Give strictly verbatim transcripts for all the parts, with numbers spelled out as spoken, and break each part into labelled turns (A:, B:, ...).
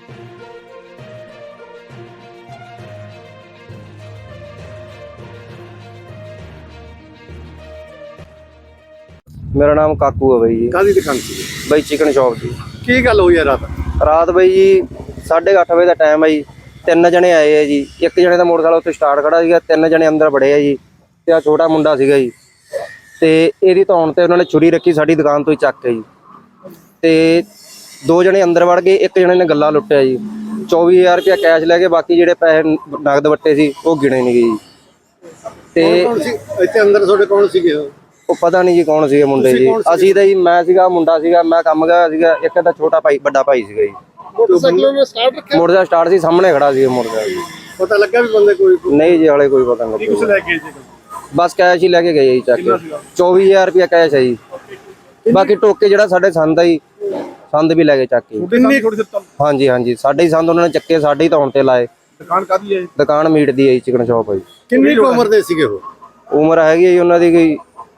A: मेरा नाम काकू है भाई जी।
B: कादी दुकान सी
A: भाई चिकन शॉप जी।
B: की गल हुई है रात?
A: रात भाई जी साढ़े अठ बजे का टाइम है जी। तीन जने आए है जी। एक जने का मोटरसाइकिल उत्ते स्टार्ट खड़ा सीगा, तीन जने अंदर बड़े है जी। ते आ छोटा मुंडा सीगा जी, ते इहदी धौण ते उन्होंने छुरी रखी साडी दुकान तो ही चक के जी। ते दो जने अंदर वड़ गए, एक जने ने गल्ला लुट्टिया जी। चौबी हज़ार रुपया कैश लै गए, बाकी जिहड़े पैसे नगद वट्टे सी वो गिने नहीं गए जी। ते
B: इत्थे अंदर तुहाडे कौन सीगे?
A: ਉਹ ਪਤਾ ਨਹੀਂ ਜੀ ਕੌਣ ਸੀਗੇ ਮੁੰਡੇ ਜੀ। ਅਸੀਂ ਤਾਂ ਜੀ ਮੈਂ ਸੀਗਾ, ਮੁੰਡਾ ਸੀਗਾ, ਮੈਂ ਕੰਮ ਗਿਆ ਸੀਗਾ। ਇੱਕ ਤਾਂ ਛੋਟਾ ਭਾਈ ਵੱਡਾ ਭਾਈ ਸੀਗਾ ਜੀ।
B: ਮੋਟਰਸਾਈਕਲ ਨੇ ਸਟਾਰਟ ਰੱਖਿਆ?
A: ਮੋਟਰਸਾਈਕਲ ਸਟਾਰਟ ਸੀ, ਸਾਹਮਣੇ ਖੜਾ ਸੀ ਮੋਟਰਸਾਈਕਲ।
B: ਪਤਾ ਲੱਗਾ ਵੀ ਬੰਦੇ ਕੋਈ?
A: ਨਹੀਂ ਜੀ ਹਾਲੇ ਕੋਈ ਪਤਾ ਨਹੀਂ।
B: ਕੁਛ ਲੈ ਕੇ ਜੀ
A: ਬਸ ਕੈਸ਼ ਹੀ ਲੈ ਕੇ ਗਏ ਜੀ ਚੱਕ ਕੇ। ਚੌਵੀ ਹਜ਼ਾਰ ਰੁਪਇਆ ਕੈਸ਼ ਹੈ ਜੀ। ਬਾਕੀ ਟੋਕੇ ਜਿਹੜਾ ਸਾਡੇ ਸੰਦ ਆ ਜੀ, ਸੰਦ ਵੀ ਲੈ ਕੇ ਚੱਕ ਕੇ। ਹਾਂਜੀ ਹਾਂਜੀ ਸਾਡੇ ਹੀ ਸੰਦ ਉਹਨਾਂ ਨੇ ਚੱਕੇ, ਸਾਡੇ ਹੀ ਧੌਣ ਤੇ ਲਾਏ।
B: ਦੁਕਾਨ ਕਾਦੀ ਹੈ?
A: ਦੁਕਾਨ ਮੀਟ ਦੀ ਹੈ ਜੀ, ਚਿਕਨ ਸ਼ੌਪ ਹੈ ਜੀ।
B: ਕਿੰਨੀ ਉਮਰ ਦੇ ਸੀਗੇ ਉਹ?
A: ਉਮਰ ਹੈਗੀ ਹੈ ਜੀ ਉਹਨਾਂ ਦੀ ਕੋਈ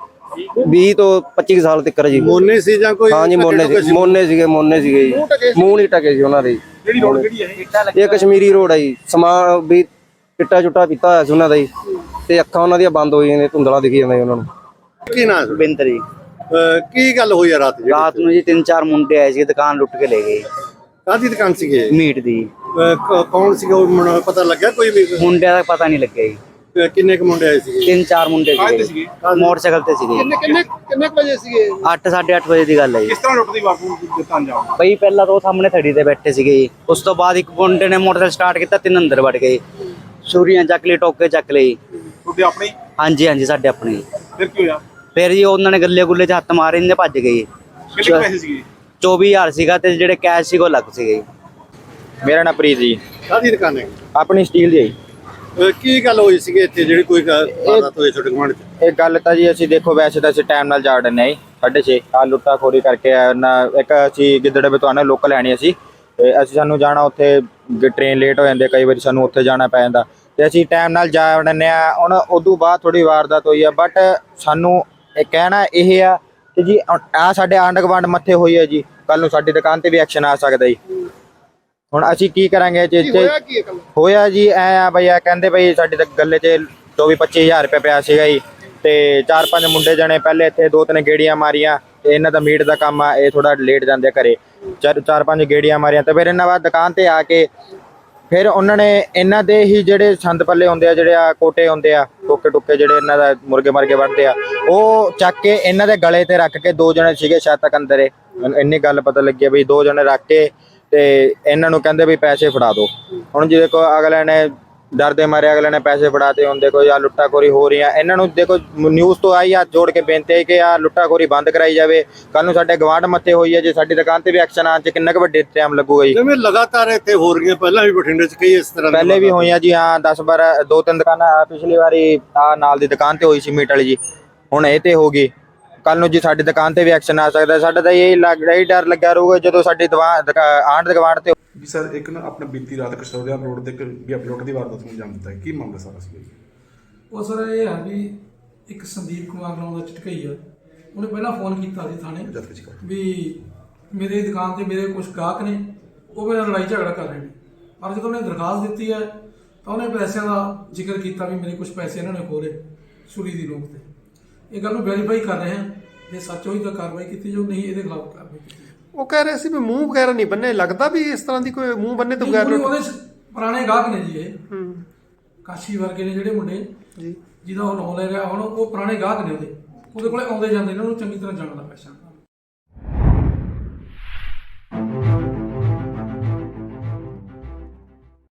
A: ਵੀਹ ਤੋਂ ਪੱਚੀ ਸਾਲ ਤੱਕ ਜੀ।
B: ਮੋਨੇ ਸੀ ਜਾਂ ਕੋਈ?
A: ਹਾਂਜੀ ਮੋਨੇ ਸੀ, ਮੋਨੇ ਸੀਗੇ ਮੋਨੇ ਸੀਗੇ ਜੀ। ਮੂੰਹ ਨਹੀਂ ਟਕੇ ਸੀ ਉਹਨਾਂ ਦੇ।
B: ਕਿਹੜੀ ਰੋਡ ਕਿਹੜੀ ਹੈ ਇਹ?
A: ਇਹ ਕਸ਼ਮੀਰੀ ਰੋਡ ਹੈ ਜੀ। ਸਮਾਨ ਵੀ ਚਿੱਟਾ ਚੁੱਟਾ ਪੀਤਾ ਹੋਇਆ ਸੀ ਉਹਨਾਂ ਦਾ ਜੀ, ਤੇ ਅੱਖਾਂ ਉਹਨਾਂ ਦੀਆਂ ਬੰਦ ਹੋਈਆਂ ਨੇ, ਧੁੰਦਲਾ ਦਿਖੀ ਜਾਂਦਾ ਜੀ ਉਹਨਾਂ ਨੂੰ।
B: ਕੀ ਨਾਮ?
C: ਬਿੰਦਰ ਜੀ।
B: ਕੀ ਗੱਲ ਹੋਈ ਆ ਰਾਤ?
C: ਰਾਤ ਨੂੰ ਜੀ ਤਿੰਨ ਚਾਰ ਮੁੰਡੇ ਆਏ ਸੀ, ਦੁਕਾਨ ਲੁੱਟ ਕੇ ਲੈ ਗਏ।
B: ਕਾਦੀ ਦੁਕਾਨ ਸੀਗੇ?
C: ਮੀਟ ਦੀ।
B: ਕੌਣ ਸੀਗਾ ਉਹ ਪਤਾ ਲੱਗਾ ਕੋਈ ਵੀ?
C: ਮੁੰਡਿਆਂ ਦਾ ਪਤਾ ਨਹੀਂ ਲੱਗਿਆ ਜੀ।
B: ਕਿੰਨੇ ਕੁ ਮੁੰਡੇ ਆਏ ਸੀਗੇ?
C: ਤਿੰਨ ਚਾਰ ਮੁੰਡੇ ਸੀਗੇ, ਮੋਟਰਸਾਈਕਲ ਤੇ ਸੀਗੇ।
B: ਕਿੰਨੇ ਕਿੰਨੇ ਕਿੰਨੇ ਵਜੇ ਸੀਗੇ?
C: ਅੱਠ ਸਾਢੇ ਅੱਠ ਵਜੇ ਦੀ ਗੱਲ ਹੈ ਜੀ।
B: ਕਿਸ ਤਰ੍ਹਾਂ ਲੁੱਟਦੀ ਵਾਪੂ ਦਿੱਤਾ ਅੰਜਾਮ?
C: ਬਈ ਪਹਿਲਾਂ ਤਾਂ ਉਹ ਸਾਹਮਣੇ ਥੜੀ ਤੇ ਬੈਠੇ ਸੀਗੇ ਜੀ। ਉਸ ਤੋਂ ਬਾਅਦ ਇੱਕ ਮੁੰਡੇ ਨੇ ਮੋਟਰਸਾਈਕਲ ਸਟਾਰਟ ਕੀਤਾ, ਤਿੰਨ ਅੰਦਰ ਵੜ ਗਏ। ਛੁਰੀਆਂ ਚੱਕ ਲਈ, ਟੋਕੇ ਚੱਕ ਲਈ।
B: ਤੁਹਾਡੇ ਆਪਣੇ?
C: ਹਾਂਜੀ ਹਾਂਜੀ ਸਾਡੇ ਆਪਣੇ।
B: ਫਿਰ ਕੀ ਹੋਇਆ?
C: ਫਿਰ ਜੀ ਉਹਨਾਂ ਨੇ ਗੱਲੇ ਗੁੱਲੇ 'ਚ ਹੱਥ ਮਾਰੇ, ਇਹਨੇ ਭੱਜ ਗਏ।
B: ਕਿੰਨੇ ਪੈਸੇ ਸੀਗੇ?
C: ਚੌਵੀ ਹਜ਼ਾਰ ਸੀਗਾ, ਤੇ ਜਿਹੜੇ ਕੈਸ਼ ਸੀਗੇ ਉਹ ਲੱਗ ਸੀਗੇ।
D: ਮੇਰਾ ਨਾਮ ਪ੍ਰੀਤ ਜੀ।
B: ਕਾਦੀ ਦੁਕਾਨ ਹੈ?
D: ਆਪਣੀ ਸਟੀਲ ਦੀ।
B: ਕੀ ਗੱਲ ਹੋਈ ਸੀਗੀ ਇੱਥੇ ਜਿਹੜੀ ਕੋਈ ਵਾਰਦਾਤ ਹੋਈ ਤੁਹਾਡੇ ਗੁਆਂਢ 'ਚ?
D: ਇਹ ਗੱਲ ਤਾਂ ਜੀ ਅਸੀਂ ਦੇਖੋ ਵੈਸੇ ਤਾਂ ਅਸੀਂ ਟਾਈਮ ਨਾਲ ਜਾ ਵੜਨੇ ਜੀ, ਸਾਢੇ ਛੇ ਆ ਲੁੱਟਾ ਖੋਰੀ ਕਰਕੇ ਨਾ। ਇੱਕ ਅਸੀਂ ਗਿੱਦੜੇ ਬਤਵਾਨਾ ਲੋਕਲ ਲੈਣੀ ਅਸੀਂ, ਤੇ ਅਸੀਂ ਸਾਨੂੰ ਜਾਣਾ ਉੱਥੇ, ਟ੍ਰੇਨ ਲੇਟ ਹੋ ਜਾਂਦੇ ਕਈ ਵਾਰੀ, ਸਾਨੂੰ ਉੱਥੇ ਜਾਣਾ ਪੈ ਜਾਂਦਾ, ਤੇ ਅਸੀਂ ਟਾਈਮ ਨਾਲ ਜਾ ਵੜਨੇ ਆ। ਹੁਣ ਉਦੋਂ ਬਾਅਦ ਥੋੜੀ ਵਾਰਦਾਤ ਹੋਈ ਆ, ਬਟ ਸਾਨੂੰ ਇਹ ਕਹਿਣਾ ਇਹ ਆ ਕਿ ਜੀ ਆ ਸਾਡੇ ਆਂਢ ਗੁਆਂਢ ਮੱਥੇ ਹੋਈ ਹੈ ਜੀ, ਕੱਲ ਨੂੰ ਸਾਡੀ ਦੁਕਾਨ ਤੇ ਵੀ ਐਕਸ਼ਨ ਆ ਸਕਦਾ ਜੀ। ਹੁਣ ਅਸੀਂ ਕੀ ਕਰਾਂਗੇ ਜੀ? ਇੱਥੇ ਹੋਇਆ ਜੀ ਐ ਆ ਬਈ, ਆ ਕਹਿੰਦੇ ਬਈ ਸਾਡੀ ਗੱਲੇ 'ਚ ਚੌਵੀ ਪੱਚੀ ਹਜ਼ਾਰ ਰੁਪਏ ਪਿਆ ਸੀਗਾ ਜੀ, ਤੇ ਚਾਰ ਪੰਜ ਮੁੰਡੇ ਜਣੇ ਪਹਿਲੇ ਇੱਥੇ ਦੋ ਤਿੰਨ ਗੇੜੀਆਂ ਮਾਰੀਆਂ, ਤੇ ਇਹਨਾਂ ਦਾ ਮੀਟ ਦਾ ਕੰਮ ਆ, ਇਹ ਥੋੜਾ ਲੇਟ ਜਾਂਦੇ ਘਰੇ। ਚਾਰ ਚਾਰ ਪੰਜ ਗੇੜੀਆਂ ਮਾਰੀਆਂ, ਤੇ ਫਿਰ ਇਹਨਾਂ ਬਾਅਦ ਦੁਕਾਨ ਤੇ ਆ ਕੇ ਫਿਰ ਉਹਨਾਂ ਨੇ ਇਹਨਾਂ ਦੇ ਹੀ ਜਿਹੜੇ ਸੰਦ ਪੱਲੇ ਹੁੰਦੇ ਆ, ਜਿਹੜੇ ਆ ਕੋਟੇ ਹੁੰਦੇ ਆ, ਟੋਕੇ ਟੁੱਕੇ ਜਿਹੜੇ ਇਹਨਾਂ ਦਾ ਮੁਰਗੇ ਮਰਗੇ ਵੱਢਦੇ ਆ, ਉਹ ਚੱਕ ਕੇ ਇਹਨਾਂ ਦੇ ਗਲੇ ਤੇ ਰੱਖ ਕੇ, ਦੋ ਜਣੇ ਸੀਗੇ ਸ਼ਾਇਦ ਤੱਕ ਅੰਦਰ, ਇੰਨੀ ਗੱਲ ਪਤਾ ਲੱਗੀ ਬਈ ਦੋ ਜਣੇ ਰੱਖ ਕੇ ਤੇ ਇਹਨਾਂ ਨੂੰ ਕਹਿੰਦੇ ਵੀ ਪੈਸੇ ਫੜਾ ਦਿਓ। ਹੁਣ ਜੀ ਦੇਖੋ ਅਗਲੇ ਨੇ ਡਰਦੇ ਮਾਰੇ ਅਗਲੇ ਨੇ ਪੈਸੇ ਫੜਾਤੇ। ਹੁਣ ਦੇਖੋ ਆ ਲੁੱਟਾ ਖੋਰੀ ਹੋ ਰਹੀ ਆ, ਇਹਨਾਂ ਨੂੰ ਦੇਖੋ ਨਿਊਜ਼ ਤੋਂ ਆਈ ਹੱਥ ਜੋੜ ਕੇ ਬੇਨਤੀ ਹੈ ਕਿ ਆ ਲੁੱਟਾ ਖੋਰੀ ਬੰਦ ਕਰਾਈ ਜਾਵੇ। ਕੱਲ ਨੂੰ ਸਾਡੇ ਗਵਾਂਢ ਮੱਥੇ ਹੋਈ ਹੈ, ਜੇ ਸਾਡੀ ਦੁਕਾਨ ਤੇ ਵੀ ਐਕਸ਼ਨ ਆਉਣ 'ਚ ਕਿੰਨਾ ਕੁ ਵੱਡੇ ਟਾਈਮ ਲੱਗੂਗਾ ਜੀ।
B: ਜਿਵੇਂ ਲਗਾਤਾਰ ਇੱਥੇ ਹੋ ਰਹੀਆਂ, ਪਹਿਲਾਂ ਵੀ ਬਠਿੰਡੇ 'ਚ ਕਈ ਇਸ ਤਰ੍ਹਾਂ
D: ਪਹਿਲੇ ਵੀ ਹੋਈਆਂ ਜੀ। ਹਾਂ ਦਸ ਬਾਰਾਂ ਦੋ ਤਿੰਨ ਦੁਕਾਨਾਂ, ਪਿਛਲੀ ਵਾਰੀ ਆ ਨਾਲ ਦੀ ਦੁਕਾਨ ਤੇ ਹੋਈ ਸੀ ਮੀਟ ਵਾਲੀ ਜੀ, ਹੁਣ ਇਹ ਤੇ ਹੋ ਗਈ। ਕੱਲ ਨੂੰ ਜੀ ਸਾਡੀ ਦੁਕਾਨ ਤੇ ਵੀ ਐਕਸ਼ਨ ਆ ਸਕਦਾ। ਸਾਡਾ ਤਾਂ ਇਹ ਲੱਗ ਰਿਹਾ ਹੀ ਡਰ ਲੱਗਿਆ ਰਹੂਗਾ ਜਦੋਂ ਸਾਡੀ ਆਂਢ ਗੁਆਂਢ ਤੇ।
E: ਵੀ ਸਰ ਇੱਕ ਨਾ ਆਪਣਾ ਬੀਤੀ ਰਾਤ ਕਸ਼ਤੋਰੀਆ ਰੋਡ ਤੇ ਵੀ ਅਪਲੋਡ ਦੀ ਵਾਰਦਾਤ ਨੂੰ ਅੰਜਾਮ ਦਿੱਤਾ ਹੈ, ਕੀ ਮਾਮਲਾ ਸਾਰਾ ਸੀ?
F: ਉਹ ਸਰ ਇਹ ਹੈ ਵੀ ਇੱਕ ਸੰਦੀਪ ਕੁਮਾਰ ਨਾਮ ਦਾ ਝਟਕਈ ਆ, ਉਹਨੇ ਪਹਿਲਾਂ ਫੋਨ ਕੀਤਾ ਸੀ ਥਾਣੇ ਵੀ ਮੇਰੀ ਦੁਕਾਨ ਤੇ ਮੇਰੇ ਕੁਝ ਗਾਹਕ ਨੇ, ਉਹ ਮੇਰੇ ਨਾਲ ਲੜਾਈ ਝਗੜਾ ਕਰ ਰਹੇ ਨੇ। ਪਰ ਜਦੋਂ ਉਹਨੇ ਦਰਖਾਸਤ ਦਿੱਤੀ ਹੈ ਤਾਂ ਉਹਨੇ ਪੈਸਿਆਂ ਦਾ ਜ਼ਿਕਰ ਕੀਤਾ ਵੀ ਮੇਰੇ ਕੁਝ ਪੈਸੇ ਇਹਨਾਂ ਨੇ ਖੋਲੇ ਛੁਰੀ ਦੀ ਨੋਕ ਤੇ। ਇਹ ਗੱਲ ਨੂੰ ਵੈਰੀਫਾਈ ਕਰ ਰਹੇ ਹਾਂ, ਜੇ ਸੱਚ ਹੋਈ ਤਾਂ ਕਾਰਵਾਈ ਕੀਤੀ ਜਾਊ, ਨਹੀਂ ਇਹਦੇ ਖਿਲਾਫ ਕਾਰਵਾਈ ਕੀਤੀ ਜਾਊ।
B: ਉਹ ਕਹਿ ਰਹੇ ਸੀ ਵੀ ਮੂੰਹ ਵਗੈਰਾ ਨਹੀਂ ਬੰਨੇ, ਲੱਗਦਾ ਵੀ ਇਸ ਤਰ੍ਹਾਂ ਦੀ ਕੋਈ ਮੂੰਹ ਬੰਨੇ ਤੋਂ ਬਗੈਰ।
F: ਉਹਦੇ ਪੁਰਾਣੇ ਗਾਹਕ ਨੇ ਜੀ, ਇਹ ਕਾਸ਼ੀ ਵਰਗੇ ਨੇ ਜਿਹੜੇ ਮੁੰਡੇ ਜੀ ਜਿਹਦਾ ਉਹ ਨਾਂ ਲੈ ਰਿਹਾ ਹੁਣ, ਉਹ ਪੁਰਾਣੇ ਗਾਹਕ ਨੇ ਉਹਦੇ ਉਹਦੇ ਕੋਲੇ ਆਉਂਦੇ ਜਾਂਦੇ, ਇਹਨਾਂ ਨੂੰ ਚੰਗੀ ਤਰ੍ਹਾਂ ਜਾਣਦਾ ਪੈਸਾ।